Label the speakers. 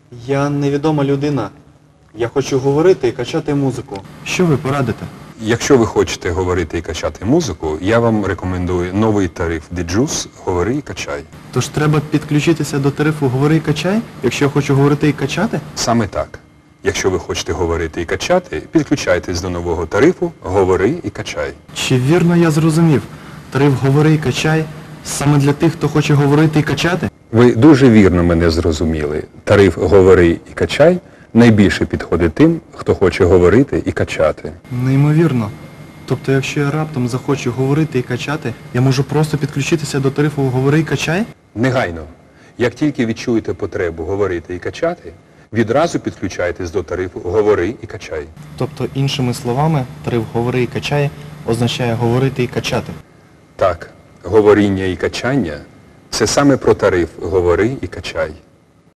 Speaker 1: Я невідома людина. Я хочу говорити і качати музику. Що ви порадите?
Speaker 2: Якщо ви хочете говорити і качати музику, я вам рекомендую новий тариф Djuice «Говори і качай».
Speaker 1: Тож треба підключитися до тарифу «Говори і качай», якщо я хочу говорити і качати?
Speaker 2: Саме так. Якщо ви хочете говорити і качати, підключайтесь до нового тарифу «Говори і качай».
Speaker 1: Чи вірно я зрозумів? Тариф «Говори і качай» саме для тих, хто хоче говорити і качати?
Speaker 2: Ви дуже вірно мене зрозуміли. Тариф «Говори і качай» найбільше підходить тим, хто хоче говорити і качати.
Speaker 1: Неймовірно. Тобто, якщо я раптом захочу говорити і качати, я можу просто підключитися до тарифу «Говори і качай»?
Speaker 2: Негайно. Як тільки відчуєте потребу говорити і качати, відразу підключайтесь до тарифу «Говори і качай».
Speaker 1: Тобто, іншими словами, тариф «Говори і качай» означає говорити і качати.
Speaker 2: Так, говоріння і качання – це саме про тариф «Говори і качай».